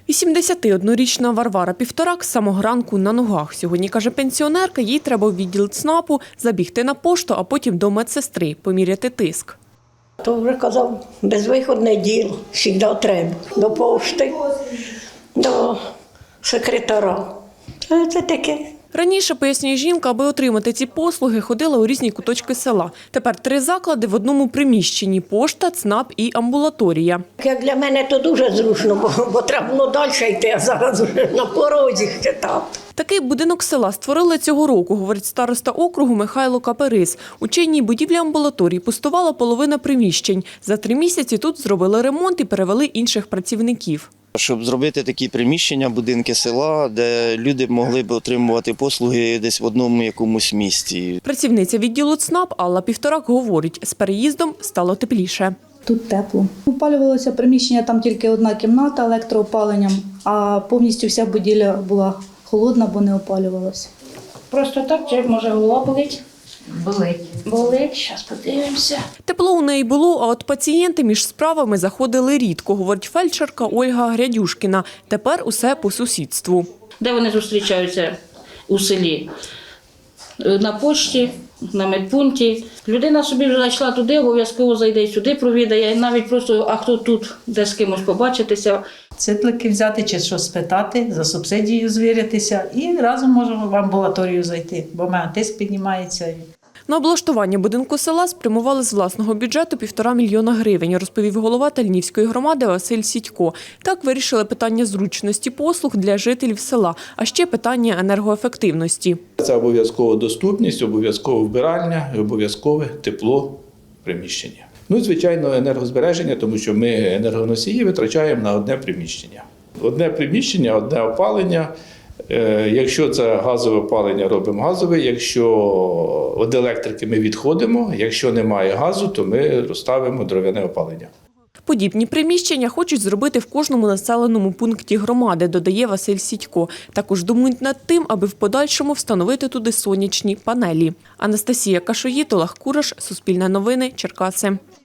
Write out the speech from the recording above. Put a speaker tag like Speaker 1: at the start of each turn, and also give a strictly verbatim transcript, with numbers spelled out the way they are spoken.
Speaker 1: вісімдесятиоднорічна Варвара Півторак з самого ранку на ногах. Сьогодні, каже пенсіонерка, їй треба в відділ ЦНАПу, забігти на пошту, а потім до медсестри, поміряти тиск.
Speaker 2: То вже казав, безвиходне діло, завжди треба. До пошти, до секретаря. А це таке.
Speaker 1: Раніше, пояснює жінка, аби отримати ці послуги, ходила у різні куточки села. Тепер три заклади в одному приміщенні – пошта, ЦНАП і амбулаторія.
Speaker 2: Як для мене то дуже зручно, бо, бо треба було далі йти, а зараз вже на порозі ще там.
Speaker 1: Такий будинок села створили цього року, говорить староста округу Михайло Каперис. У чинній будівлі амбулаторії пустувала половина приміщень. За три місяці тут зробили ремонт і перевели інших працівників.
Speaker 3: Щоб зробити такі приміщення, будинки села, де люди могли б отримувати послуги десь в одному якомусь місці.
Speaker 1: Працівниця відділу ЦНАП Алла Півторак говорить, з переїздом стало тепліше.
Speaker 4: Тут тепло. Опалювалося приміщення, там тільки одна кімната електроопаленням, а повністю вся будівля була холодна, бо не опалювалася.
Speaker 5: Просто так, чи може голова болить?
Speaker 6: Болить.
Speaker 5: Болить, зараз подивимося.
Speaker 1: Тепло у неї було, а от пацієнти між справами заходили рідко, говорить фельдшерка Ольга Грядюшкіна. Тепер усе по сусідству.
Speaker 5: Де вони зустрічаються у селі? На пошті, на медпункті. Людина собі вже зайшла туди, обов'язково зайде і сюди провідає. Навіть просто, а хто тут, де з кимось побачитися.
Speaker 7: Циплики взяти чи щось спитати, за субсидію звірятися і разом можемо в амбулаторію зайти, бо в мене тиск піднімається.
Speaker 1: На облаштування будинку села спрямували з власного бюджету півтора мільйона гривень, розповів голова Тальнівської громади Василь Сідько. Так вирішили питання зручності послуг для жителів села, а ще питання енергоефективності.
Speaker 8: Це обов'язкова доступність, обов'язкове вбиральня, обов'язкове тепло приміщення. Ну і, звичайно, енергозбереження, тому що ми енергоносії витрачаємо на одне приміщення. Одне приміщення, одне опалення. Якщо це газове опалення, робимо газове. Якщо від електрики ми відходимо, якщо немає газу, то ми розставимо дров'яне опалення.
Speaker 1: Подібні приміщення хочуть зробити в кожному населеному пункті громади, додає Василь Сідько. Також думають над тим, аби в подальшому встановити туди сонячні панелі. Анастасія Кашоїд, Олег Кураш, Суспільне новини, Черкаси.